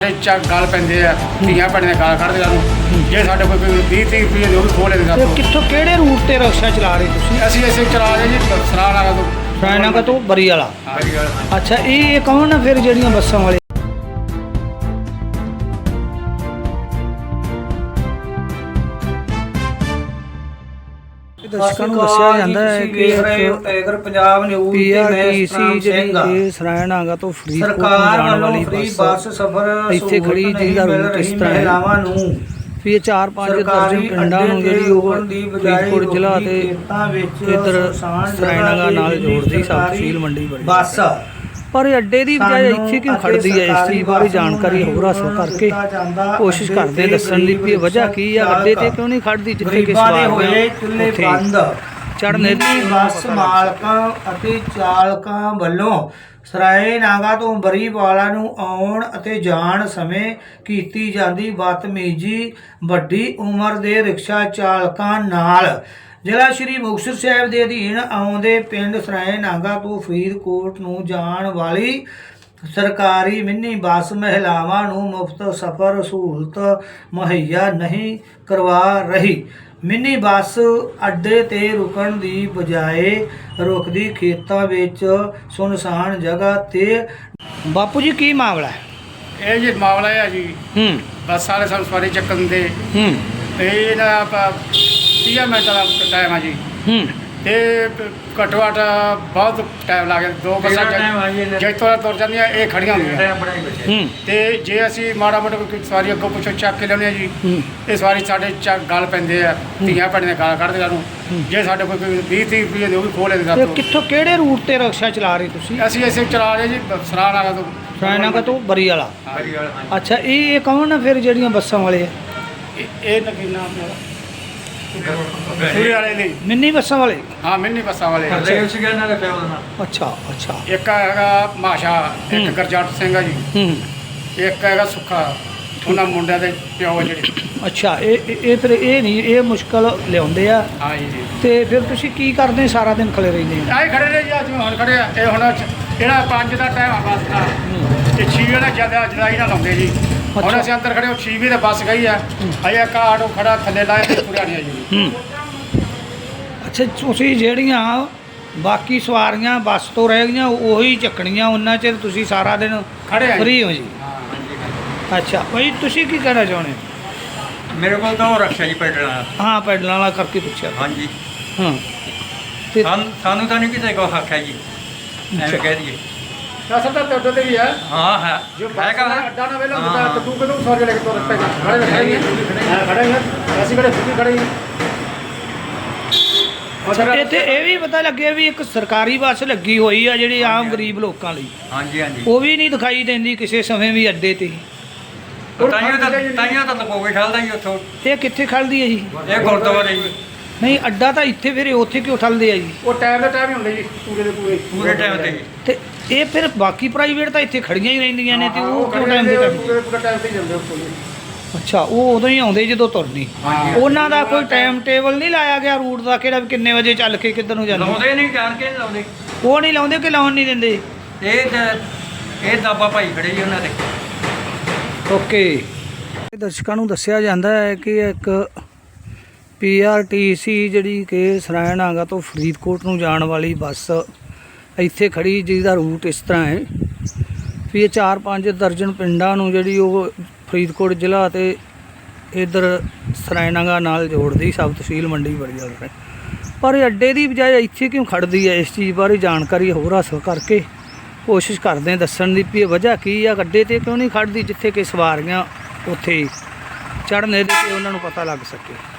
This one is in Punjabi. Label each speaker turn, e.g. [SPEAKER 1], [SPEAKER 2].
[SPEAKER 1] गल पैंदे आ धीआं भैणां गाल कढदे सानूं जे साडे कोई 20-30 रुपये दे ओह भी खोह लेंदे
[SPEAKER 2] ਤੇ
[SPEAKER 1] साथों।
[SPEAKER 2] ਕਿੱਥੋਂ ਕਿਹੜੇ ਰੂਟ ਤੇ ਰਿਕਸ਼ਾ ਚਲਾ ਰਹੇ ਤੁਸੀਂ?
[SPEAKER 1] ਅਸੀਂ ਇਸੇ ਚਲਾ ਰਹੇ ਜੀ ਸਰਾਣਾ ਤੋਂ
[SPEAKER 2] ਰਾਇਨਾਗਾ ਤੋਂ ਬਰੀ ਵਾਲਾ।
[SPEAKER 1] ਹਾਂਜੀ
[SPEAKER 2] ਅੱਛਾ, ਇਹ ਕੌਣ ਆ ਫਿਰ ਜਿਹੜੀਆਂ ਬੱਸਾਂ ਵਾਲੇ? ਦਰਸ਼ਕਾਂ ਨੂੰ ਦੱਸਿਆ ਜਾਂਦਾ ਹੈ ਕਿ
[SPEAKER 3] ਟਾਈਗਰ ਪੰਜਾਬ ਨਿਊਜ਼ ਤੇ ਮੈਂ
[SPEAKER 2] ਪੀਆਰਟੀਸੀ ਜਿਹੜੀ ਸਰਾਇਨਾਗਾ ਤੋਂ ਫਰੀਦਕੋਟ ਨੂੰ
[SPEAKER 3] ਸਰਕਾਰ
[SPEAKER 2] ਜਾਣ
[SPEAKER 3] ਵੱਲੋਂ
[SPEAKER 2] ਵਾਲੀ
[SPEAKER 3] ਫ੍ਰੀ ਬੱਸ
[SPEAKER 2] ਬੱਸ
[SPEAKER 3] ਸਫ਼ਰ
[SPEAKER 2] ਇੱਥੇ ਖੜੀ ਜਿਹਦਾ ਰੂਟ ਇਸ ਤਰ੍ਹਾਂ ਹੈ
[SPEAKER 3] ਮਹਿਲਾਵਾਂ ਨੂੰ
[SPEAKER 2] ਵੀ ਇਹ 4-5 ਦਰਜਨ ਪਿੰਡਾਂ ਨੂੰ ਜਿਹੜੀ ਉਹ ਫਰੀਦਕੋਟ ਜ਼ਿਲ੍ਹਾ ਤੇ ਇੱਧਰ ਸਰਾਇਨਾਗਾ ਨਾਲ ਜੋੜਦੀ ਸਬ ਤਹਿਸੀਲ ਮੰਡੀ ਬੜੀ
[SPEAKER 3] ਬੱਸ
[SPEAKER 2] ਪਰ ਇਹ ਅੱਡੇ ਦੀ ਬਜਾਏ ਇੱਥੇ ਕਿਉਂ ਖੜਦੀ ਹੈ? ਇਸ ਚੀਜ਼ ਬਾਰੇ ਜਾਣਕਾਰੀ ਹੋਰ ਹਾਸਲ ਕਰਕੇ ਕੋਸ਼ਿਸ਼ ਕਰਦੇ ਦੱਸਣ ਦੀ ਵੀ ਵਜ੍ਹਾ ਕੀ ਆ, ਅੱਡੇ ਤੇ ਕਿਉਂ ਨਹੀਂ ਖੜਦੀ ਜਿੱਥੇ ਕਿ
[SPEAKER 3] ਗਰੀਬਾਂ ਦੇ ਹੋਏ ਚੁੱਲ੍ਹੇ ਬੰਦ।
[SPEAKER 2] ਚੜ੍ਹਨੇ
[SPEAKER 3] ਬੱਸ ਮਾਲਕਾਂ ਅਤੇ ਚਾਲਕਾਂ ਵੱਲੋਂ ਸਰਾਇਨਾਗਾ ਤੋਂ ਬਰੀਵਾਲਾ ਨੂੰ ਆਉਣ ਅਤੇ ਜਾਣ ਸਮੇਂ ਕੀਤੀ ਜਾਂਦੀ ਬਦਤਮੀਜ਼ੀ ਵੱਡੀ ਉਮਰ ਦੇ ਰਿਕਸ਼ਾ ਚਾਲਕਾਂ ਨਾਲ ਜ਼ਿਲ੍ਹਾ ਸ਼੍ਰੀ ਮੁਕਤਸਰ ਸਾਹਿਬ ਦੇ ਅਧੀਨ ਆਉਂਦੇ ਪਿੰਡ ਸਰਾਇਨਾਗਾ ਤੋਂ ਫਰੀਦਕੋਟ ਨੂੰ ਜਾਣ ਵਾਲੀ ਸਰਕਾਰੀ ਮਿੰਨੀ ਬੱਸ ਮਹਿਲਾਵਾਂ ਨੂੰ ਮੁਫਤ ਸਫ਼ਰ ਸਹੂਲਤ ਮੁਹੱਈਆ ਨਹੀਂ ਕਰਵਾ ਰਹੀ। ਮਿੰਨੀ ਬੱਸ ਅੱਡੇ ਤੇ ਰੁਕਣ ਦੀ ਬਜਾਏ ਰੁਕਦੀ ਖੇਤਾਂ ਵਿੱਚ ਸੁਨਸਾਨ ਜਗ੍ਹਾ ਤੇ।
[SPEAKER 2] ਬਾਪੂ ਜੀ ਕੀ ਮਾਮਲਾ ਹੈ?
[SPEAKER 1] ਇਹ ਜੀ ਮਾਮਲਾ ਹੈ ਜੀ ਬੱਸ ਵਾਲੇ ਸਾਨੂੰ ਸਵਾਰੀ ਚੱਕਣ ਦੇ ਤੇ ਇਹਨਾਂ ਆਪਾਂ 30 ਮਿੰਟਾਂ ਦਾ ਟਾਈਮ ਆ ਜੀ ਤੇ ਘੱਟੋ ਘੱਟ ਬਹੁਤ ਟਾਈਮ ਲੱਗ ਗਿਆ। ਦੋ ਬੱਸਾਂ ਜੈਤੋਂ ਤੁਰ ਜਾਂਦੀਆਂ ਇਹ ਖੜੀਆਂ ਹੁੰਦੀਆਂ ਤੇ ਜੇ ਅਸੀਂ ਮਾੜਾ ਮੋਟਾ ਕੋਈ ਸਵਾਰੀ ਅੱਗੋਂ ਪਿੱਛੋਂ ਚੱਕ ਕੇ ਲਿਆਉਂਦੇ ਆ ਜੀ ਇਹ ਸਵਾਰੀ ਸਾਡੇ ਗਲ ਪੈਂਦੇ ਆ ਧੀਆਂ ਭੈਣਾਂ ਗਾਲ ਕੱਢਦੇ ਸਾਨੂੰ ਜੇ ਸਾਡੇ ਕੋਈ 20-30 ਰੁਪਏ ਦੇ ਉਹ ਵੀ ਖੋਹ ਲੈਂਦੇ
[SPEAKER 2] ਤੇ
[SPEAKER 1] ਸਾਥੋਂ।
[SPEAKER 2] ਕਿੱਥੋਂ ਕਿਹੜੇ ਰੂਟ ਤੇ ਰਿਕਸ਼ਾ ਚਲਾ ਰਹੇ ਤੁਸੀਂ?
[SPEAKER 1] ਅਸੀਂ ਇਸੇ ਚਲਾ ਰਹੇ ਜੀ ਸਰਾਣਾ ਤੋਂ
[SPEAKER 2] ਸਰਾਇਨਾਗਾ ਤੋਂ ਬਰੀ ਵਾਲਾ। ਅੱਛਾ, ਇਹ ਕੌਣ ਆ ਫਿਰ ਜਿਹੜੀਆਂ ਬੱਸਾਂ ਵਾਲੇ ਆ?
[SPEAKER 1] ਇਹ ਨਗੀਨਾ ਆਪਣਾ ਸੂਰੇ ਵਾਲੇ ਲਈ
[SPEAKER 2] ਮਿੰਨੀ ਬੱਸਾਂ ਵਾਲੇ?
[SPEAKER 1] ਹਾਂ ਮਿੰਨੀ ਬੱਸਾਂ ਵਾਲੇ
[SPEAKER 2] ਅੱਛਾ ਅੱਛਾ।
[SPEAKER 1] ਇੱਕ ਹੈਗਾ ਮਾਸ਼ਾ ਇੱਕ ਗੁਰਜੰਟ ਸਿੰਘ ਆ ਜੀ ਇੱਕ ਹੈਗਾ ਸੁੱਖਾ ਉਹਨਾਂ ਮੁੰਡਿਆਂ ਦੇ ਪਿਓ ਜਿਹੜੇ।
[SPEAKER 2] ਅੱਛਾ, ਇਹ ਫਿਰ ਇਹ ਨਹੀਂ ਇਹ ਮੁਸ਼ਕਲ ਲਿਆਉਂਦੇ ਆ
[SPEAKER 1] ਹਾਂ ਜੀ
[SPEAKER 2] ਤੇ ਫਿਰ ਤੁਸੀਂ ਕੀ ਕਰਦੇ ਸਾਰਾ ਦਿਨ ਖੜੇ ਰਹਿੰਦੇ ਆ?
[SPEAKER 1] ਆਏ ਖੜੇ ਨੇ ਜੀ ਅੱਜ ਹੁਣ ਖੜੇ ਆ ਇਹ ਹੁਣ ਇਹਦਾ 5 ਦਾ ਟਾਈਮ ਆ ਬੱਸ ਦਾ ਤੇ 6 ਦਾ ਜ਼ਿਆਦਾ ਜਦਾਈ ਨਾਲ ਲਾਉਂਦੇ ਜੀ। ਹੁਣ ਅਸੀਂ ਅੰਦਰ ਖੜੇ 6 ਵਜੇ ਤੇ ਬੱਸ ਗਈ ਆ ਅਜੇ ਇੱਕ ਆਟੋ ਖੜਾ ਥੱਲੇ ਲਾਇਆ ਤੇ ਪੂਰਾ ਨਹੀਂ ਆ ਜੀ।
[SPEAKER 2] ਅੱਛਾ, ਤੁਸੀਂ ਜਿਹੜੀਆਂ ਬਾਕੀ ਸਵਾਰੀਆਂ ਬੱਸ ਤੋਂ ਰਹਿ ਗਈਆਂ ਉਹੀ ਚੱਕਣੀਆਂ ਉਹਨਾਂ ਚਿਰ ਤੁਸੀਂ ਸਾਰਾ ਦਿਨ
[SPEAKER 1] ਖੜੇ ਆ
[SPEAKER 2] ਫ੍ਰੀ ਹੋ ਜੀ? ਅੱਛਾ ਭਾਈ, ਤੁਸੀਂ ਕੀ ਕਹਿਣਾ ਚਾਹੁੰਦੇ?
[SPEAKER 4] ਮੇਰੇ ਕੋਲ ਤਾਂ ਉਹ ਰਕਸ਼ਾ ਜੀ ਪੈਡਲਾਂ।
[SPEAKER 2] ਹਾਂ, ਪੈਡਲਾਂ ਵਾਲਾ ਕਰਕੇ ਪੁੱਛਿਆ।
[SPEAKER 4] ਹਾਂਜੀ
[SPEAKER 2] ਹਾਂ ਤੇ
[SPEAKER 4] ਸਾਨੂੰ ਤਾਂ ਨਹੀਂ ਕਿਸੇ ਕੋ ਹੱਕ ਹੈ ਜੀ ਐਵੇਂ ਕਹਿ ਦਈਏ।
[SPEAKER 1] ਅਸਲ ਤਾਂ ਤੁਹਾਡੇ ਤੇ ਵੀ ਹੈ
[SPEAKER 4] ਹਾਂ ਹੈ
[SPEAKER 1] ਜੋ
[SPEAKER 4] ਹੈਗਾ
[SPEAKER 1] ਅੱਡਾ ਨਾ ਵੇਲਾ ਹੁੰਦਾ ਤਾਂ ਤੂੰ ਕਦੋਂ ਸਵਾਰੀ ਲੈ ਕੇ ਤੁਰ ਪਏਗਾ? ਖੜੇ ਖੜੇ ਅਸੀਂ ਕਿਹੜੇ ਫੁੱਕੀ ਖੜੇ
[SPEAKER 2] ਅੱਛਾ, ਇੱਥੇ ਇਹ ਵੀ ਪਤਾ ਲੱਗਿਆ ਵੀ ਇੱਕ ਸਰਕਾਰੀ ਬੱਸ ਲੱਗੀ ਹੋਈ ਆ ਜਿਹੜੀ ਆਮ ਗਰੀਬ ਲੋਕਾਂ ਲਈ,
[SPEAKER 4] ਹਾਂਜੀ ਹਾਂਜੀ
[SPEAKER 2] ਉਹ ਵੀ ਨਹੀਂ ਦਿਖਾਈ ਦਿੰਦੀ ਕਿਸੇ ਸਮੇਂ ਵੀ ਅੱਡੇ ਤੇ।
[SPEAKER 4] ਤਾਈਆਂ ਤਾਂ ਲਗੋਗੇ ਖਲਦਾ ਜੀ ਉੱਥੋਂ।
[SPEAKER 2] ਇਹ ਕਿੱਥੇ ਖੜਦੀ ਹੈ ਜੀ?
[SPEAKER 4] ਇਹ ਗੁਰਦੁਆਰੇ ਜੀ
[SPEAKER 2] ਨਹੀਂ, ਅੱਡਾ ਤਾਂ ਇੱਥੇ, ਫਿਰ ਉੱਥੇ ਕਿਉਂ ਠੱਲਦੇ ਆ ਜੀ?
[SPEAKER 1] ਉਹ ਟਾਈਮ ਦਾ ਟਾਈਮ ਹੀ ਹੁੰਦਾ ਜੀ ਪੂਰੇ ਦੇ ਪੂਰੇ
[SPEAKER 4] ਪੂਰੇ ਟਾਈਮ ਤੇ ਜੀ।
[SPEAKER 2] ਤੇ ਇਹ ਫਿਰ ਬਾਕੀ ਪ੍ਰਾਈਵੇਟ ਤਾਂ ਇੱਥੇ ਖੜੀਆਂ ਹੀ ਰਹਿੰਦੀਆਂ ਨੇ ਤੇ ਉਹ ਕਿਉਂ ਟਾਈਮ ਤੇ
[SPEAKER 1] ਪੂਰੇ ਪੂਰਾ ਟਾਈਮ ਤੇ ਹੀ ਜਾਂਦੇ ਉੱਥੋਂ ਜੀ।
[SPEAKER 2] ਅੱਛਾ, ਉਹ ਉਦੋਂ ਹੀ ਆਉਂਦੇ ਜਦੋਂ ਤੁਰਨੀ। ਉਹਨਾਂ ਦਾ ਕੋਈ ਟਾਈਮ ਟੇਬਲ ਨਹੀਂ ਲਾਇਆ ਗਿਆ ਰੂਟ ਦਾ ਕਿਹੜਾ ਵੀ ਕਿੰਨੇ ਵਜੇ ਚੱਲ ਕੇ ਕਿੱਧਰ ਨੂੰ ਜਾਂਦੇ?
[SPEAKER 4] ਲਾਉਂਦੇ ਨਹੀਂ, ਜਾਣ ਕੇ ਨਹੀਂ ਲਾਉਂਦੇ।
[SPEAKER 2] ਉਹ ਨਹੀਂ ਲਾਉਂਦੇ ਕਿ ਲਾਉਣ ਨਹੀਂ ਦਿੰਦੇ?
[SPEAKER 4] ਇਹ ਦਾਬਾ ਭਾਈ ਖੜੇ ਜੀ ਉਹਨਾਂ ਦੇ।
[SPEAKER 2] ਓਕੇ, ਦਰਸ਼ਕਾਂ ਨੂੰ ਦੱਸਿਆ ਜਾਂਦਾ ਹੈ ਕਿ ਇੱਕ ਪੀਆਰਟੀਸੀ ਜਿਹੜੀ ਕਿ ਸਰਾਇਨਾਗਾ ਤੋਂ ਫਰੀਦਕੋਟ ਨੂੰ ਜਾਣ ਵਾਲੀ ਬੱਸ ਇੱਥੇ ਖੜੀ ਜਿਹਦਾ ਰੂਟ ਇਸ ਤਰ੍ਹਾਂ ਹੈ ਵੀ ਇਹ 4-5 ਦਰਜਨ ਪਿੰਡਾਂ ਨੂੰ ਜਿਹੜੀ ਉਹ ਫਰੀਦਕੋਟ ਜ਼ਿਲ੍ਹਾ ਤੇ ਇੱਧਰ ਸਰਾਇਨਾਗਾ ਨਾਲ ਜੋੜਦੀ ਸਬ ਤਹਿਸੀਲ ਮੰਡੀ ਬੜੀ ਹੈ। ਪਰ ਇਹ ਅੱਡੇ ਦੀ ਬਜਾਏ ਇੱਥੇ ਕਿਉਂ ਖੜਦੀ ਹੈ? ਇਸ ਚੀਜ਼ ਬਾਰੇ ਜਾਣਕਾਰੀ ਹੋਰ ਹਾਸਲ ਕਰਕੇ ਕੋਸ਼ਿਸ਼ ਕਰਦੇ ਦੱਸਣ ਦੀ ਵੀ ਵਜ੍ਹਾ ਕੀ ਆ, ਅੱਡੇ ਤੇ ਕਿਉਂ ਨਹੀਂ ਖੜਦੀ ਜਿੱਥੇ ਕਿ ਸਵਾਰੀਆਂ ਉੱਥੇ ਚੜ੍ਹਨੇ ਦੇ ਤੇ ਉਹਨਾਂ ਨੂੰ ਪਤਾ ਲੱਗ ਸਕੇ।